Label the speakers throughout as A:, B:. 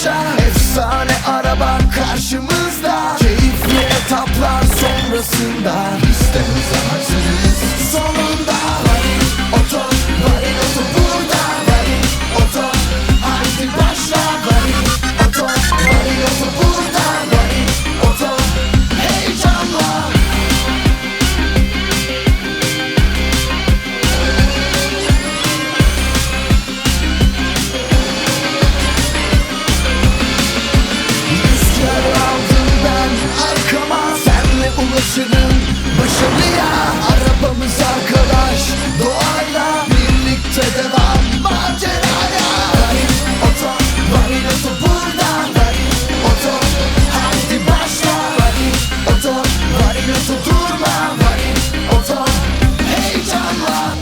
A: başa. Efsane araban karşımızda, keyifli etaplar sonrasında. İşte hıza hazırız sonunda. Varil Oto, Varil Oto burada. Varil Oto, haydi başla. Varil Oto, Varil Oto burada. Varil Oto, heyecanla. Rüzgar aldım ben arkama, senle ulaşırım başarıya. Arabamız arkadaş, doğayla birlikte devam maceraya. Varil Oto, Varil Oto burada. Varil Oto, haydi başla. Varil Oto, Varil Oto durma. Varil Oto, heyecanla.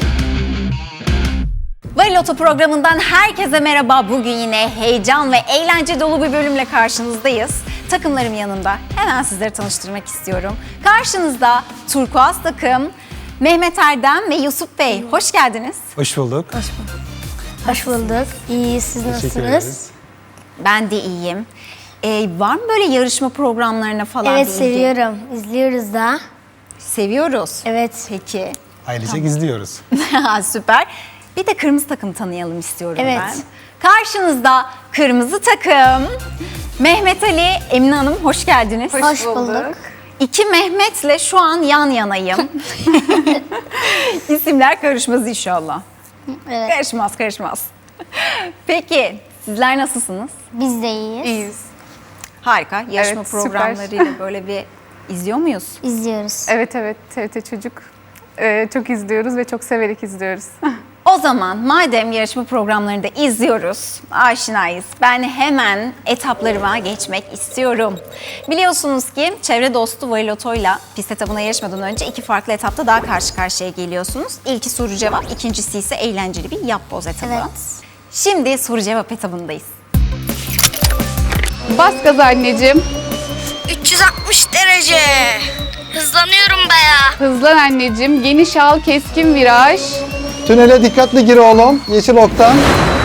B: Varil Oto programından herkese merhaba. Bugün yine heyecan ve eğlence dolu bir bölümle karşınızdayız. Takımlarım yanımda. Hemen sizleri tanıştırmak istiyorum. Karşınızda turkuaz takım Mehmet Erdem ve Yusuf Bey. Hoş geldiniz.
C: Hoş bulduk.
D: Hoş bulduk. İyi, siz
C: Teşekkür
D: nasılsınız?
C: ederiz.
B: Ben de iyiyim. Var mı böyle yarışma programlarına falan
D: Evet,
B: bir ilgi?
D: seviyorum. İzliyoruz da.
B: Seviyoruz.
D: Evet.
B: Peki.
C: Ailecek izliyoruz.
B: Süper. Bir de kırmızı takım tanıyalım istiyorum
D: Evet.
B: ben. Karşınızda kırmızı takım Mehmet Ali, Emine Hanım hoş geldiniz.
D: Hoş bulduk.
B: İki Mehmet'le şu an yan yanayım. İsimler karışmaz inşallah.
D: Evet.
B: Karışmaz. Peki sizler nasılsınız?
D: Biz de iyiyiz.
E: İyiyiz.
B: Harika. Yarışma
E: Evet, süper.
B: programlarıyla böyle bir izliyor muyuz?
D: İzliyoruz.
E: Evet, TRT Çocuk. Çok izliyoruz ve çok severek izliyoruz.
B: O zaman madem yarışma programlarını da izliyoruz, aşinayız, ben hemen etaplarıma geçmek istiyorum. Biliyorsunuz ki çevre dostu Varil Oto'yla pist etabına yarışmadan önce iki farklı etapta daha karşı karşıya geliyorsunuz. İlki soru cevap, ikincisi ise eğlenceli bir yap boz etabı.
D: Evet.
B: Şimdi soru cevap etabındayız.
E: Bas gaz anneciğim.
F: 360 derece. Hızlanıyorum bayağı.
E: Hızlan anneciğim. Geniş al, keskin viraj.
C: Tünele dikkatli gir oğlum. Yeşil oktan.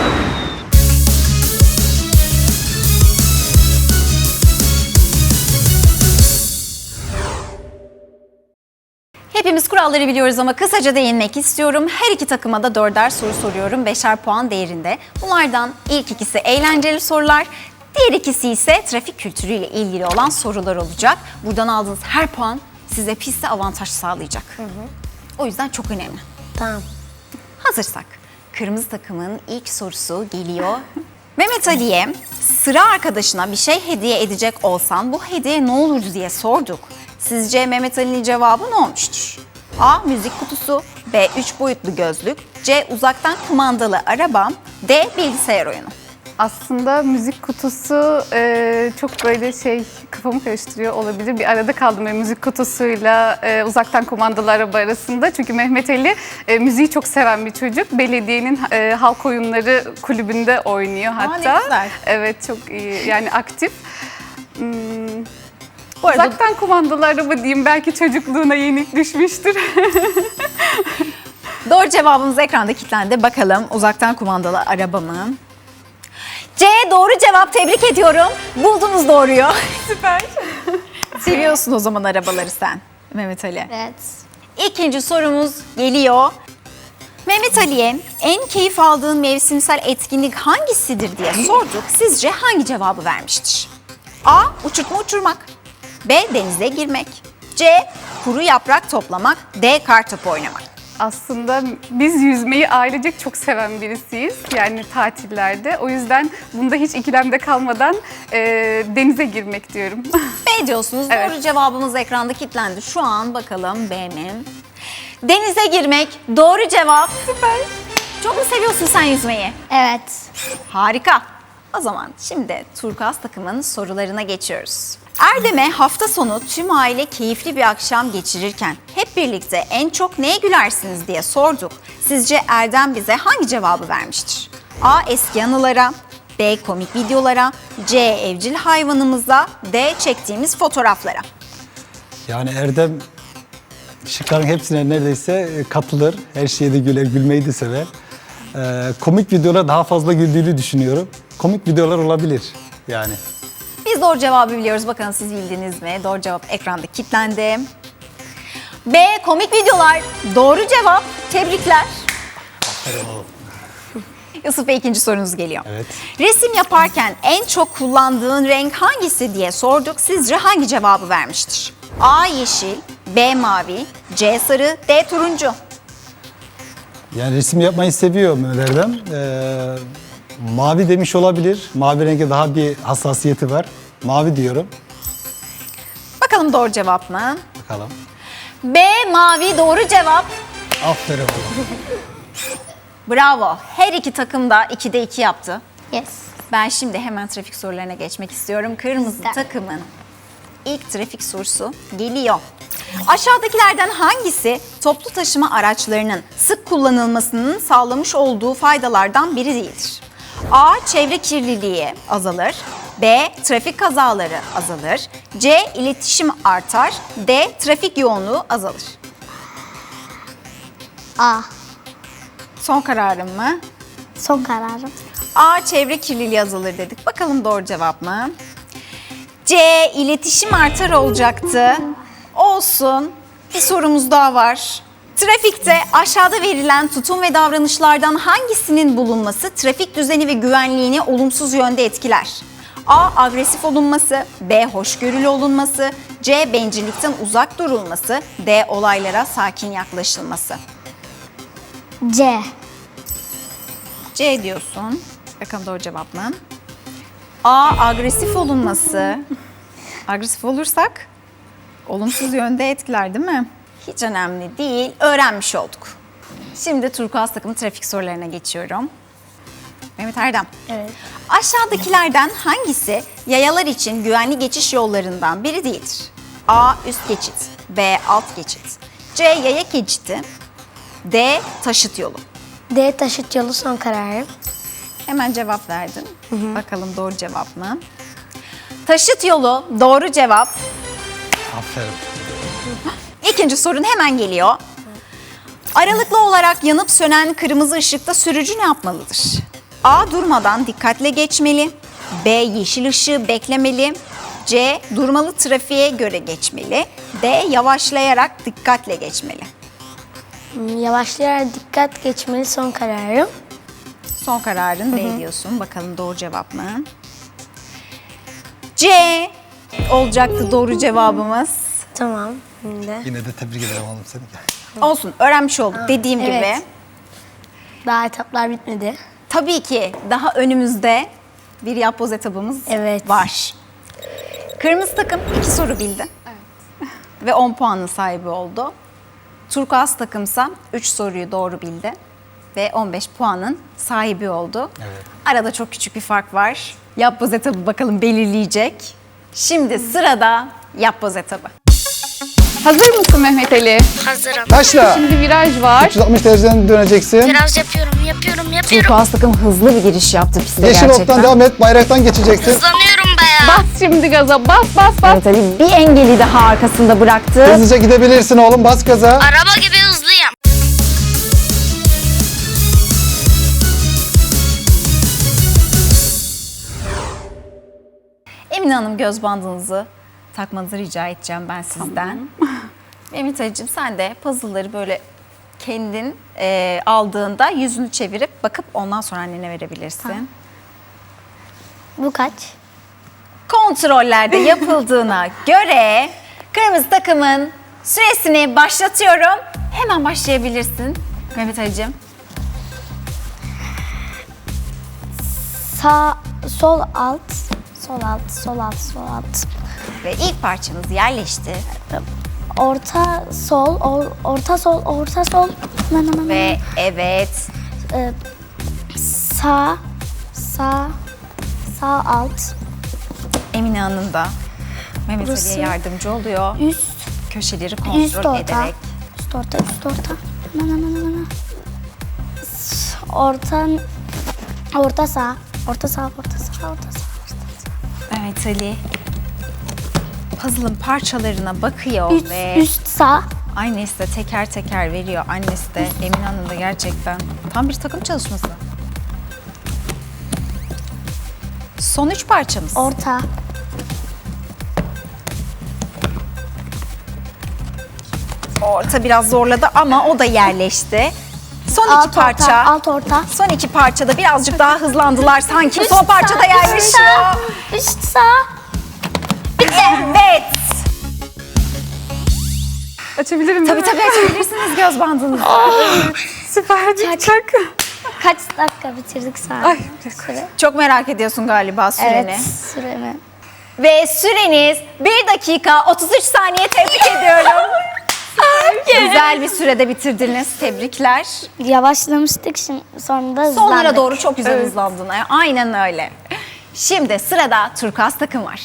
B: Hepimiz kuralları biliyoruz ama kısaca değinmek istiyorum. Her iki takıma da 4'er soru soruyorum. 5'er puan değerinde. Bunlardan ilk ikisi eğlenceli sorular. Diğer ikisi ise trafik kültürüyle ilgili olan sorular olacak. Buradan aldığınız her puan size pistte avantaj sağlayacak. O yüzden çok önemli.
D: Tamam.
B: Hazırsak kırmızı takımın ilk sorusu geliyor. Mehmet Ali'ye sıra arkadaşına bir şey hediye edecek olsan bu hediye ne olurdu diye sorduk. Sizce Mehmet Ali'nin cevabı ne olmuştur? A. Müzik kutusu, B. 3 boyutlu gözlük, C. Uzaktan kumandalı araba, D. Bilgisayar oyunu.
E: Aslında müzik kutusu çok böyle kafamı karıştırıyor olabilir. Bir arada kaldım müzik kutusuyla uzaktan kumandalı araba arasında. Çünkü Mehmet Ali müziği çok seven bir çocuk. Belediyenin halk oyunları kulübünde oynuyor hatta.
B: ne güzel.
E: Evet, çok iyi, yani aktif.
B: Bu arada
E: Uzaktan kumandalı araba diyeyim, belki çocukluğuna yenik düşmüştür.
B: doğru cevabımız ekranda kilitlendi. Bakalım uzaktan kumandalı araba mı? C doğru cevap, tebrik ediyorum. Buldunuz doğruyu. Süper. Seviyorsun o zaman arabaları sen Mehmet Ali.
D: Evet.
B: İkinci sorumuz geliyor. Mehmet Ali'ye en keyif aldığın mevsimsel etkinlik hangisidir diye sorduk. Sizce hangi cevabı vermiştir? A. Uçurtma uçurmak, B. Denize girmek, C. Kuru yaprak toplamak, D. Kartopu oynamak.
E: Aslında biz yüzmeyi ailecek çok seven birisiyiz. Yani tatillerde. O yüzden bunda hiç ikilemde kalmadan denize girmek diyorum.
B: B diyorsunuz.
E: Evet.
B: Doğru cevabımız ekranda kilitlendi. Şu an bakalım B mi? Denize girmek doğru cevap. Süper. Çok mu seviyorsun sen yüzmeyi?
D: Evet.
B: Harika. O zaman şimdi turkuaz takımın sorularına geçiyoruz. Erdem'e hafta sonu tüm aile keyifli bir akşam geçirirken hep birlikte en çok neye gülersiniz diye sorduk. Sizce Erdem bize hangi cevabı vermiştir? A. Eski anılara, B. Komik videolara, C. Evcil hayvanımıza, D. Çektiğimiz fotoğraflara.
C: Yani Erdem şıkların hepsine neredeyse katılır. Her şeye de güler, gülmeyi de sever. Komik videolara daha fazla güldüğünü düşünüyorum. Komik videolar olabilir. Yani
B: Biz doğru cevabı biliyoruz. Bakalım siz bildiniz mi? Doğru cevap ekranda kilitlendi. B. Komik videolar. Doğru cevap. Tebrikler. Yusuf Bey, ikinci sorunuz geliyor.
C: Evet.
B: Resim yaparken en çok kullandığın renk hangisi diye sorduk. Sizce hangi cevabı vermiştir? A. Yeşil, B. Mavi, C. Sarı, D. Turuncu.
C: Yani resim yapmayı seviyor Mehmet Erdem. Mavi demiş olabilir. Mavi renge daha bir hassasiyeti var. Mavi diyorum.
B: Bakalım doğru cevap mı?
C: Bakalım.
B: B. Mavi doğru cevap.
C: Aferin oğlum.
B: Bravo. Her iki takım da 2'de 2 yaptı.
D: Yes.
B: Ben şimdi hemen trafik sorularına geçmek istiyorum. Kırmızı takımın ilk trafik sorusu geliyor. Aşağıdakilerden hangisi toplu taşıma araçlarının sık kullanılmasının sağlamış olduğu faydalardan biri değildir? A. Çevre kirliliği azalır. B. Trafik kazaları azalır. C. İletişim artar. D. Trafik yoğunluğu azalır.
D: A.
B: Son kararım mı?
D: Son kararım.
B: A. Çevre kirliliği azalır dedik. Bakalım doğru cevap mı? C. İletişim artar olacaktı. Olsun. Bir sorumuz daha var. Trafikte aşağıda verilen tutum ve davranışlardan hangisinin bulunması trafik düzeni ve güvenliğini olumsuz yönde etkiler? A. Agresif olunması, B. Hoşgörülü olunması, C. Bencillikten uzak durulması, D. Olaylara sakin yaklaşılması.
D: C.
B: C diyorsun. Bakalım doğru cevap mı? A. Agresif olunması. Agresif olursak olumsuz yönde etkiler değil mi? Hiç önemli değil. Öğrenmiş olduk. Şimdi turkuaz takımı trafik sorularına geçiyorum. Mehmet Erdem.
D: Evet.
B: Aşağıdakilerden hangisi yayalar için güvenli geçiş yollarından biri değildir? A. Üst geçit. B. Alt geçit. C. Yaya geçidi. D. Taşıt yolu.
D: D. Taşıt yolu son kararım.
B: Hemen cevap verdin. Bakalım doğru cevap mı? Taşıt yolu doğru cevap.
C: Aferin.
B: İkinci sorun hemen geliyor. Aralıklı olarak yanıp sönen kırmızı ışıkta sürücü ne yapmalıdır? A. Durmadan dikkatle geçmeli. B. Yeşil ışığı beklemeli. C. Durmalı trafiğe göre geçmeli. D. Yavaşlayarak dikkatle geçmeli.
D: Yavaşlayarak dikkat geçmeli son kararım.
B: Son kararın D diyorsun. Bakalım doğru cevap mı? C olacaktı doğru cevabımız.
D: Tamam. Şimdi.
C: Yine de tebrik ederim oğlum seni.
B: Olsun, öğrenmiş olduk dediğim
D: evet.
B: gibi.
D: Daha etaplar bitmedi.
B: Tabii ki daha önümüzde bir yapboz etabımız
D: Evet.
B: var. Kırmızı takım 2 soru bildi. Ve 10 puanın sahibi oldu. Turkuaz takımsa 3 soruyu doğru bildi. Ve 15 puanın sahibi oldu.
C: Evet.
B: Arada çok küçük bir fark var. Yapboz etabı bakalım belirleyecek. Şimdi sırada yapboz etabı.
E: Hazır mısın Mehmet Ali?
F: Hazırım.
C: Başla.
E: Şimdi viraj var.
C: 360 dereceden döneceksin.
F: Biraz yapıyorum.
B: Turkuaz takım hızlı bir giriş yaptı piste
C: Yeşil
B: gerçekten.
C: oktan devam et. Bayraktan geçeceksin.
F: Hızlanıyorum bayağı.
E: Bas şimdi gaza. Bas bas bas.
B: Evet Ali bir engeli daha arkasında bıraktı.
C: Hızlıca gidebilirsin oğlum. Bas gaza.
F: Araba gibi hızlıyım.
B: Emine Hanım, göz bandınızı takmanızı rica edeceğim ben sizden. Mehmet Ali'cim, sen de puzzle'ları böyle kendin aldığında yüzünü çevirip bakıp ondan sonra annene verebilirsin.
D: Bu kaç?
B: Kontrollerde yapıldığına göre kırmızı takımın süresini başlatıyorum. Hemen başlayabilirsin Mehmet Ali'cim.
D: Sağ, sol alt, sol alt, sol alt, sol alt.
B: Ve ilk parçamız yerleşti.
D: Orta sol, orta sol, orta sol.
B: Ve evet,
D: Sağ, sağ, sağ alt,
B: Emine Hanım da Mehmet
D: Burası.
B: Ali'ye yardımcı oluyor.
D: üst,
B: Köşeleri
D: üst
B: kontrol
D: orta.
B: ederek.
D: Üst orta, üst orta. Orta, orta sağ, orta sağ, orta sağ, orta sağ.
B: Evet Ali. Puzzle'ın parçalarına bakıyor
D: Üst,
B: ve
D: üst sağ,
B: annesi de teker teker veriyor. Annesi de Emine Hanım da gerçekten tam bir takım çalışması. Son 3 parçamız.
D: Orta.
B: Orta biraz zorladı ama o da yerleşti. Son 2
D: Alt
B: parça.
D: orta. Alt orta.
B: Son 2 parçada birazcık daha hızlandılar sanki. Son parçada
D: Üst
B: yerleşiyor.
D: sağ. Üst sağ.
B: Evet.
E: Açabilirim
B: Tabii
E: değil mi?
B: tabii açabilirsiniz göz bandınızı.
E: Süper. Çok.
D: Kaç dakika bitirdik saat?
E: Ay,
D: Süre.
B: Çok merak ediyorsun galiba süreni.
D: Evet. Süremi.
B: Ve süreniz 1 dakika 33 saniye, tebrik ediyorum. Güzel bir sürede bitirdiniz. Tebrikler.
D: Yavaşlamıştık şimdi sonra da
B: Sonlara
D: hızlandık.
B: doğru çok güzel hızlandın. Aynen öyle. Şimdi sırada turkuaz takım var.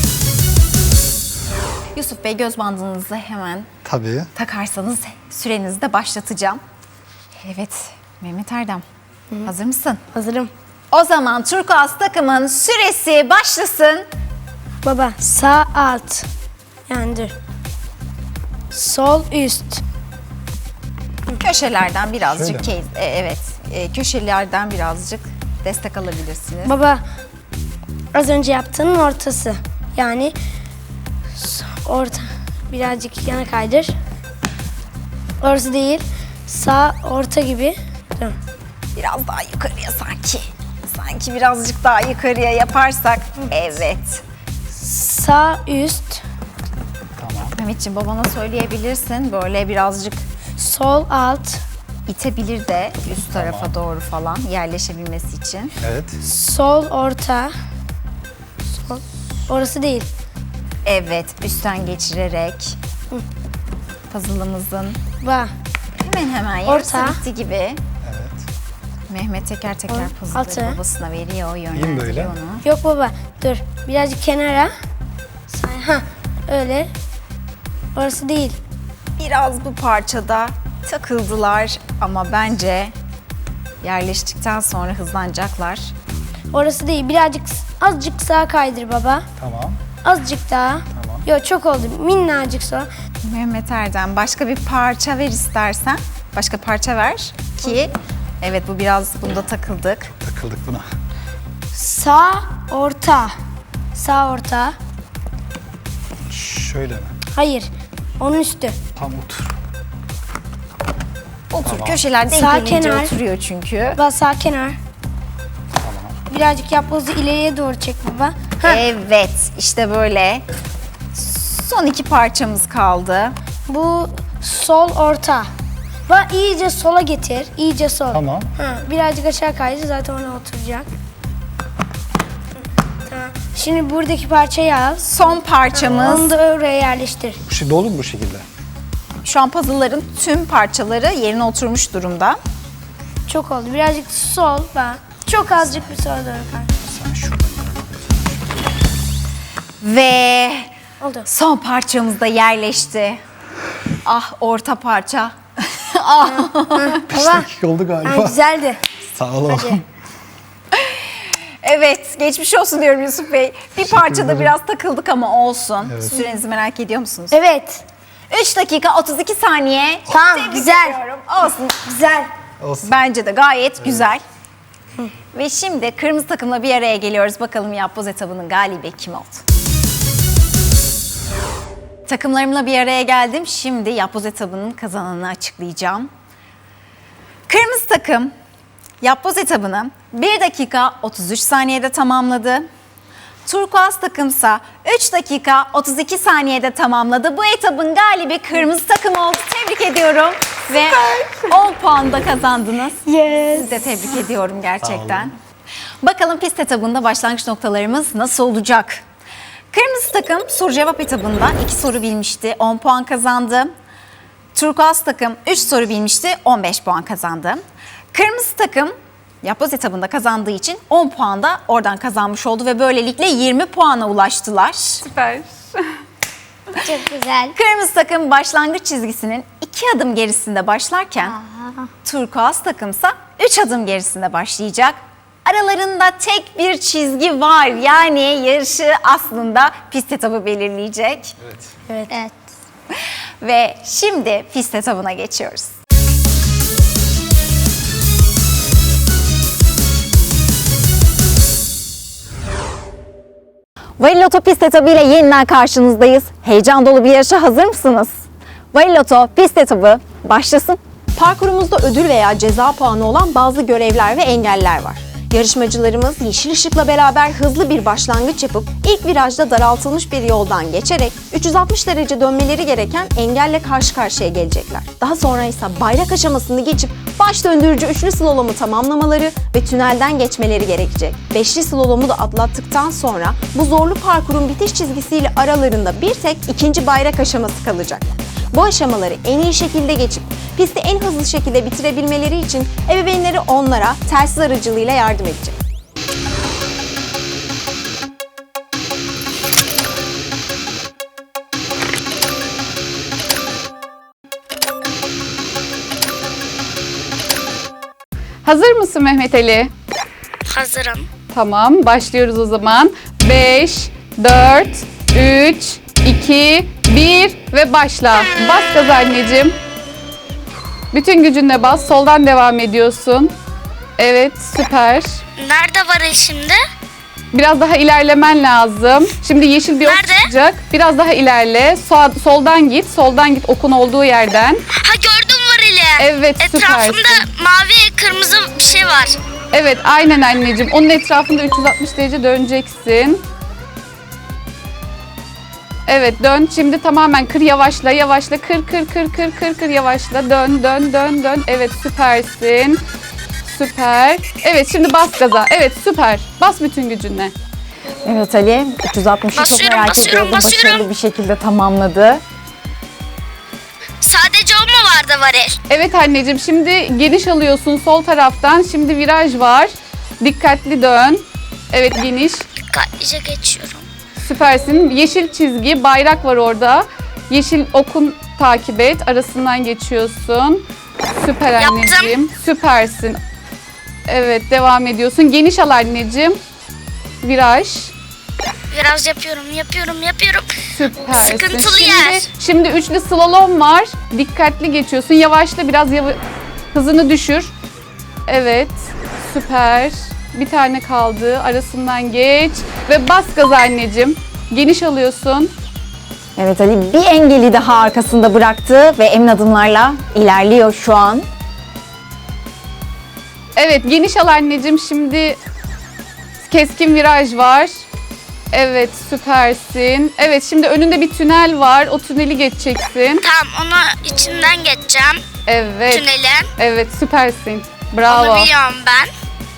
B: Yusuf Bey, göz bandınızı hemen
C: Tabii.
B: takarsanız sürenizi de başlatacağım. Evet, Mehmet Erdem. Hazır mısın?
D: Hazırım.
B: O zaman turkuaz takımın süresi başlasın.
D: Baba sağ alt. Yani dur. Sol üst.
B: Köşelerden birazcık
C: Şöyle mi?
B: evet, köşelerden birazcık destek alabilirsiniz.
D: Baba az önce yaptığının ortası. Yani orta. Birazcık yana kaydır. Orası değil. Sağ orta gibi. Dur.
B: Biraz daha yukarıya sanki. Sanki birazcık daha yukarıya yaparsak. Evet.
D: Sağ üst.
B: Mehmetciğim, babana söyleyebilirsin. Böyle birazcık
D: Sol alt.
B: itebilir de üst tarafa doğru falan yerleşebilmesi için.
C: Evet.
D: Sol orta. Sol. Orası değil.
B: Evet, üstten geçirerek puzzle'ımızın
D: Bak.
B: hemen yarısı
D: Orta.
B: bitti gibi.
C: Evet.
B: Mehmet teker teker
D: Altı.
B: puzzle'ları babasına veriyor,
C: böyle.
B: yönlendiriyor onu.
D: Yok baba. Dur. Birazcık kenara. Ha. Öyle. Orası değil.
B: Biraz bu parçada takıldılar ama bence yerleştikten sonra hızlanacaklar.
D: Orası değil. Birazcık azıcık sağa kaydır baba.
C: Tamam.
D: Azıcık daha.
C: Tamam.
D: Yok çok oldu. Minnacık sonra.
B: Mehmet Erdem, başka bir parça ver istersen. Başka parça ver ki evet, bu biraz bunda takıldık.
C: Takıldık buna.
D: Sağ orta. Sağ orta.
C: Şöyle mi?
D: Hayır. Onun üstü.
C: Tam otur.
B: Otur, köşeler denk
D: Sağ
B: gelince
D: kenar.
B: oturuyor çünkü.
D: Baba sağ kenar. Birazcık yapbozu ileriye doğru çek baba. Ha.
B: Evet, işte böyle. Son 2 parçamız kaldı.
D: Bu sol orta. Bak iyice sola getir. İyice sol.
C: Tamam.
D: Ha, birazcık aşağı kaydı zaten ona oturacak. Tamam. Şimdi buradaki parçayı al.
B: Son parçamız.
D: Onu da oraya yerleştir.
C: Bu şey dolu mu bu şekilde?
B: Şu an puzzle'ların tüm parçaları yerine oturmuş durumda.
D: Çok oldu. Birazcık sol bak. Çok azıcık bir sola doğru kay.
C: Sen şuradan.
B: Ve
D: Oldu.
B: son parçamız da yerleşti. Ah, orta parça.
C: Beş dakika oldu
D: Ha,
C: galiba.
D: güzeldi.
C: Sağ olun.
B: Evet, geçmiş olsun diyorum Yusuf Bey. Bir parçada biraz takıldık ama olsun.
C: Evet.
B: Sürenizi merak ediyor musunuz?
D: Evet.
B: 3 dakika 32 saniye.
D: Tamam,
B: Tebrik
D: güzel.
B: ediyorum. Olsun.
D: Güzel.
C: Olsun.
B: Bence de gayet güzel. Ve şimdi kırmızı takımla bir araya geliyoruz. Bakalım yapboz etabının galibi kim oldu? Takımlarımla bir araya geldim. Şimdi yapboz etabının kazananını açıklayacağım. Kırmızı takım yapboz etabını 1 dakika 33 saniyede tamamladı. Turkuaz takımsa 3 dakika 32 saniyede tamamladı. Bu etabın galibi kırmızı takım oldu. Tebrik ediyorum. Ve 10 puan da kazandınız.
D: Yes.
B: Sizi de tebrik ediyorum gerçekten. Bakalım pist etabında başlangıç noktalarımız nasıl olacak? Kırmızı takım soru cevap etabında 2 soru bilmişti. 10 puan kazandı. Turkuaz takım 3 soru bilmişti. 15 puan kazandı. Kırmızı takım yapboz etabında kazandığı için 10 puan da oradan kazanmış oldu ve böylelikle 20 puana ulaştılar.
E: Süper.
D: Çok güzel.
B: Kırmızı takım başlangıç çizgisinin 2 adım gerisinde başlarken turkuaz takımsa 3 adım gerisinde başlayacak. Aralarında tek bir çizgi var. Yani yarışı aslında pist etabı belirleyecek.
D: Evet. Evet.
B: Ve şimdi pist etabına geçiyoruz. Variloto pist etabı ile yeniden karşınızdayız. Heyecan dolu bir yarışa hazır mısınız? Variloto pist etabı başlasın. Parkurumuzda ödül veya ceza puanı olan bazı görevler ve engeller var. Yarışmacılarımız yeşil ışıkla beraber hızlı bir başlangıç yapıp ilk virajda daraltılmış bir yoldan geçerek 360 derece dönmeleri gereken engelle karşı karşıya gelecekler. Daha sonra ise bayrak aşamasını geçip baş döndürücü üçlü slalomu tamamlamaları ve tünelden geçmeleri gerekecek. Beşli slalomu da atlattıktan sonra bu zorlu parkurun bitiş çizgisiyle aralarında bir tek ikinci bayrak aşaması kalacak. Bu aşamaları en iyi şekilde geçip pisti en hızlı şekilde bitirebilmeleri için ebeveynleri onlara telsiz aracılığıyla yardım edecek.
E: Hazır mısın Mehmet Ali?
F: Hazırım.
E: Tamam, başlıyoruz o zaman. 5, 4, 3, 2, 1 ve başla. Bas gaz anneciğim. Bütün gücünle bas. Soldan devam ediyorsun. Evet, süper.
F: Nerede var şimdi?
E: Biraz daha ilerlemen lazım. Şimdi yeşil bir ok
F: Nerede?
E: çıkacak. Biraz daha ilerle. Soldan git. Soldan git okun olduğu yerden.
F: Ha, gördüm varili.
E: Evet,
F: Etrafında
E: süpersin.
F: mavi kırmızı bir şey var.
E: Evet, aynen anneciğim. Onun etrafında 360 derece döneceksin. Evet, dön. Şimdi tamamen kır, yavaşla, yavaşla. Kır, yavaşla. Dön. Evet, süpersin. Süper. Evet, şimdi bas gaza. Evet, süper. Bas bütün gücünle.
B: Evet Ali, 360'ı çok
F: Basıyorum,
B: merak
F: basıyorum,
B: ediyordu.
F: basıyorum.
B: Başarılı bir şekilde tamamladı.
F: Sadece o mu vardı varil?
E: Evet anneciğim, şimdi geniş alıyorsun sol taraftan. Şimdi viraj var. Dikkatli dön. Evet, geniş.
F: Dikkatlice geçiyorum.
E: Süpersin. Yeşil çizgi, bayrak var orada. Yeşil okun takip et. Arasından geçiyorsun. Süper
F: Yaptım.
E: anneciğim. Süpersin. Evet, devam ediyorsun. Geniş al anneciğim. Viraj.
F: Biraz yapıyorum.
E: Süpersin.
F: Sıkıntılı yer.
E: Şimdi üçlü slalom var. Dikkatli geçiyorsun. Yavaşla, biraz hızını düşür. Evet. Süper. Bir tane kaldı. Arasından geç. Ve bas gaza anneciğim. Geniş alıyorsun.
B: Evet Ali, bir engeli daha arkasında bıraktı ve emin adımlarla ilerliyor şu an.
E: Evet, geniş al anneciğim. Şimdi keskin viraj var. Evet, süpersin. Evet, şimdi önünde bir tünel var. O tüneli geçeceksin.
F: Tamam, onu içinden geçeceğim.
E: Evet.
F: Tünelin.
E: Evet, süpersin. Bravo.
F: Onu biliyorum ben.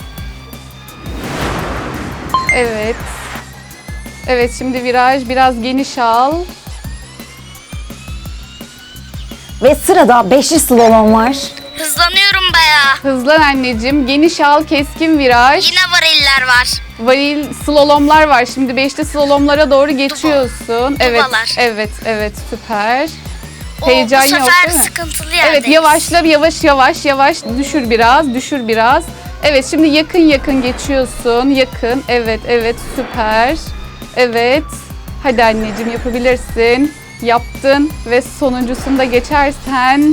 E: Evet. Evet, şimdi viraj. Biraz geniş al.
B: Ve sırada beşli slalom var.
F: Hızlanıyorum bayağı.
E: Hızlan anneciğim. Geniş al, keskin viraj.
F: Yine variller var.
E: Varil slalomlar var. Şimdi beşli slalomlara doğru geçiyorsun. Evet,
F: Dubalar.
E: evet, süper.
F: O,
E: Heyecan
F: bu
E: yok
F: sefer
E: değil mi?
F: sıkıntılı yerdeyiz.
E: Evet, yavaşla, yavaş. Düşür biraz. Evet, şimdi yakın geçiyorsun. Yakın, evet, süper. Evet, hadi anneciğim yapabilirsin. Yaptın ve sonuncusunda geçersen.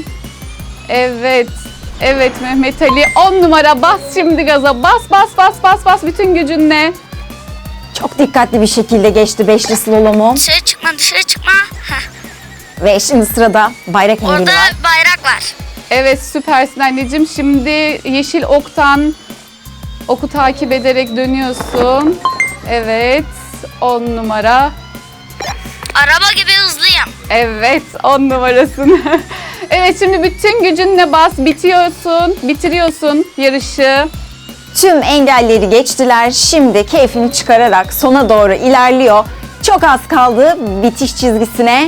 E: Evet Mehmet Ali, 10 numara, bas şimdi gaza. Bas bütün gücünle.
B: Çok dikkatli bir şekilde geçti beşli slalomu.
F: Dışarı çıkma. Heh.
B: Ve şimdi sırada bayrak engeli
F: Orada
B: var.
F: bayrak var.
E: Evet, süpersin anneciğim. Şimdi yeşil oktan oku takip ederek dönüyorsun. Evet, 10 numara.
F: Araba gibi hızlıyım.
E: Evet, 10 numarasın. Evet, şimdi bütün gücünle bas, bitiriyorsun yarışı.
B: Tüm engelleri geçtiler. Şimdi keyfini çıkararak sona doğru ilerliyor. Çok az kaldı bitiş çizgisine.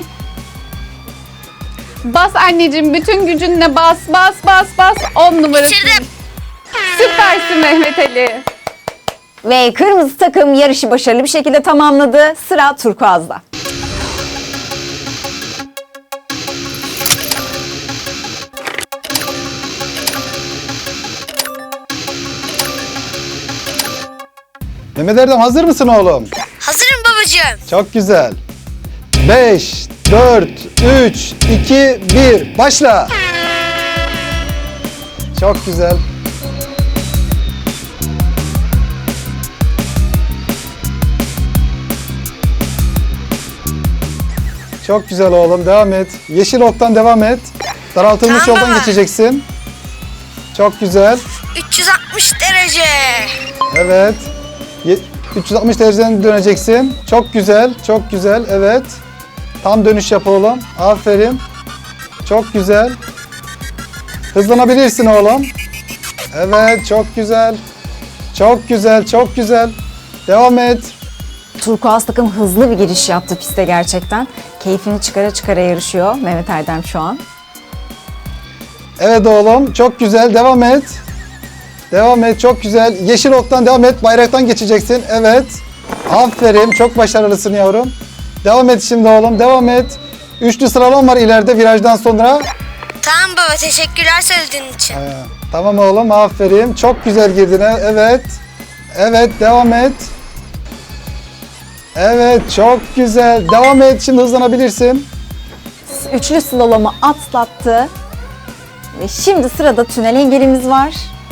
E: Bas anneciğim, bütün gücünle bas. 10 numarasın.
F: Bitirdim.
E: Süpersin Mehmet Ali.
B: Ve kırmızı takım yarışı başarılı bir şekilde tamamladı. Sıra turkuazda.
C: Mehmet Erdem, hazır mısın oğlum?
F: Hazırım babacığım.
C: Çok güzel. 5, 4, 3, 2, 1. Başla. Çok güzel. Çok güzel oğlum. Devam et. Yeşil oktan devam et. Daraltılmış
F: Tamam
C: yoldan
F: baba.
C: geçeceksin. Çok güzel.
F: 360 derece.
C: Evet. 360 dereceden döneceksin. Çok güzel. Çok güzel. Evet. Tam dönüş yap oğlum. Aferin. Çok güzel. Hızlanabilirsin oğlum. Evet. Çok güzel. Çok güzel. Çok güzel. Devam et.
B: Turkuaz takım hızlı bir giriş yaptı piste gerçekten. Keyfini çıkara çıkara yarışıyor Mehmet Erdem şu an.
C: Evet oğlum. Çok güzel. Devam et. Devam et. Çok güzel. Yeşil oktan devam et. Bayraktan geçeceksin. Evet. Aferin. Çok başarılısın yavrum. Devam et şimdi oğlum. Devam et. Üçlü sıralama var ileride virajdan sonra.
F: Tamam baba, teşekkürler söylediğin için.
C: Tamam oğlum. Aferin. Çok güzel girdin. Evet. Evet. Devam et. Evet. Çok güzel. Devam et. Şimdi hızlanabilirsin.
B: Üçlü slalomu atlattı. Ve şimdi sırada tünel engelimiz var.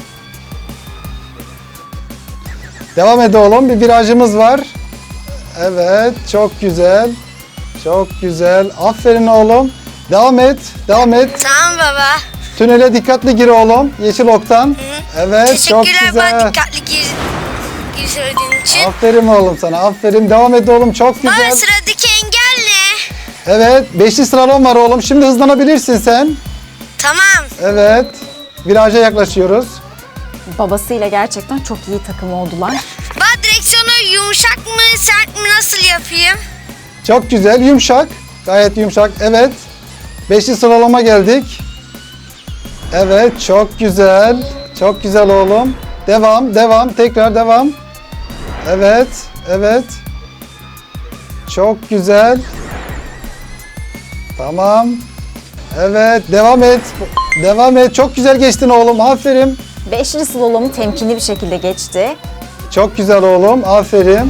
C: Devam et oğlum. Bir virajımız var. Evet. Çok güzel. Çok güzel. Aferin oğlum. Devam et. Devam et.
F: Tamam baba.
C: Tünele dikkatli gir oğlum. Yeşil oktan. Evet. Çok
F: Teşekkürler bana
C: güzel.
F: dikkatli gir söylediğin için.
C: Aferin oğlum sana. Aferin. Devam et oğlum. Çok güzel.
F: Baba, sıradaki engel ne?
C: Evet. Beşli sıralama var oğlum. Şimdi hızlanabilirsin sen.
F: Tamam.
C: Evet. Viraja yaklaşıyoruz.
B: Babasıyla gerçekten çok iyi takım oldular.
F: Baba, direksiyonu yumuşak mı sert mi nasıl yapayım?
C: Çok güzel. Yumuşak. Gayet yumuşak. Evet. Beşli sıralama geldik. Evet. Çok güzel. Çok güzel oğlum. Devam. Devam. Tekrar devam. Evet. Evet. Çok güzel. Tamam. Evet. Devam et. Devam et. Çok güzel geçtin oğlum. Aferin.
B: Beşli slalomu temkinli bir şekilde geçti.
C: Çok güzel oğlum. Aferin.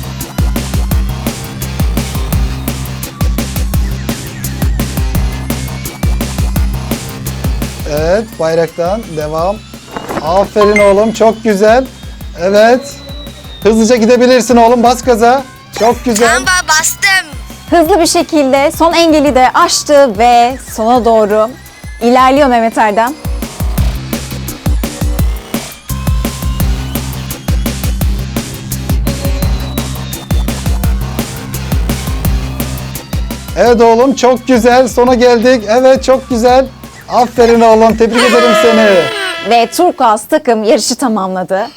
C: Evet. Bayraktan devam. Aferin oğlum. Çok güzel. Evet. Hızlıca gidebilirsin oğlum. Bas gaza. Çok güzel.
F: Tamam baba, bastım.
B: Hızlı bir şekilde son engeli de aştı ve sona doğru ilerliyor Mehmet Erdem.
C: Evet oğlum. Çok güzel. Sona geldik. Evet. Çok güzel. Aferin oğlum. Tebrik ederim seni.
B: Ve Turkuaz takım yarışı tamamladı.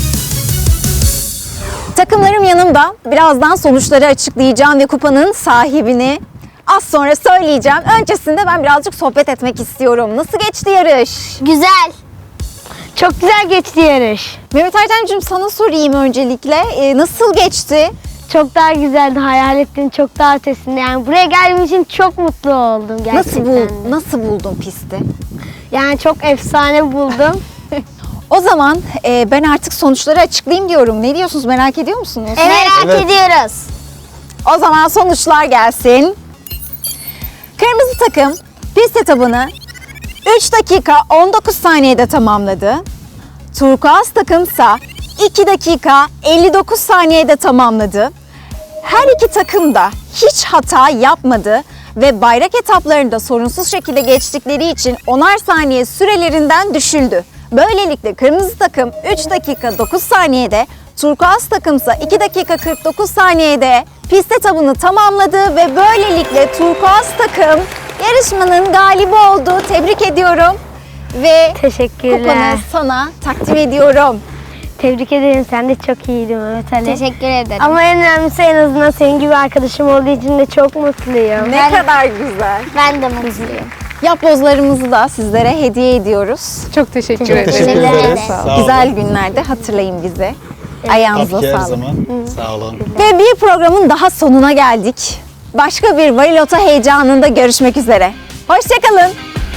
B: Takımlarım yanımda. Birazdan sonuçları açıklayacağım ve kupanın sahibini az sonra söyleyeceğim. Öncesinde ben birazcık sohbet etmek istiyorum. Nasıl geçti yarış?
D: Güzel. Çok güzel geçti yarış.
B: Mehmet Erdemciğim, sana sorayım öncelikle. Nasıl geçti?
D: Çok daha güzeldi. Hayal ettiğin çok daha ötesinde. Yani buraya geldiğim için çok mutlu oldum gerçekten.
B: Nasıl buldun pisti?
D: Yani çok efsane buldum.
B: O zaman ben artık sonuçları açıklayayım diyorum. Ne diyorsunuz, merak ediyor musunuz?
D: Merak
C: Evet.
D: ediyoruz.
B: O zaman sonuçlar gelsin. Kırmızı takım pist etabını 3 dakika 19 saniyede tamamladı. Turkuaz takımsa 2 dakika 59 saniyede tamamladı. Her iki takım da hiç hata yapmadı ve bayrak etaplarında sorunsuz şekilde geçtikleri için 10'ar saniye sürelerinden düşüldü. Böylelikle kırmızı takım 3 dakika 9 saniyede, turkuaz takımsa 2 dakika 49 saniyede pist etabını tamamladı ve böylelikle turkuaz takım yarışmanın galibi oldu. Tebrik ediyorum ve
D: Teşekkürler.
B: kupanı sana takdim ediyorum.
D: Tebrik ederim. Sen de çok iyiydin Mehmet Ali.
G: Teşekkür ederim.
D: Ama en önemlisi en azından senin gibi arkadaşım olduğu için de çok mutluyum.
B: Ne kadar güzel.
G: Ben de mutluyum.
B: Yapbozlarımızı da sizlere hediye ediyoruz.
E: Çok teşekkür
C: Çok
E: ederim.
C: teşekkür
G: Teşekkür
C: ederiz.
G: ederim.
C: Sağ olun.
B: Güzel günlerde hatırlayın bizi. Ayağınıza
C: Tabii ki her
B: sağlık.
C: zaman. Sağ olun.
B: Ve bir programın daha sonuna geldik. Başka bir Varilota heyecanında görüşmek üzere. Hoşçakalın.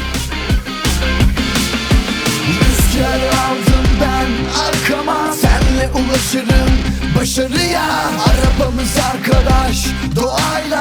A: Rüzgar aldım ben arkama, senle ulaşırım başarıya. Arabamız arkadaş, doğayla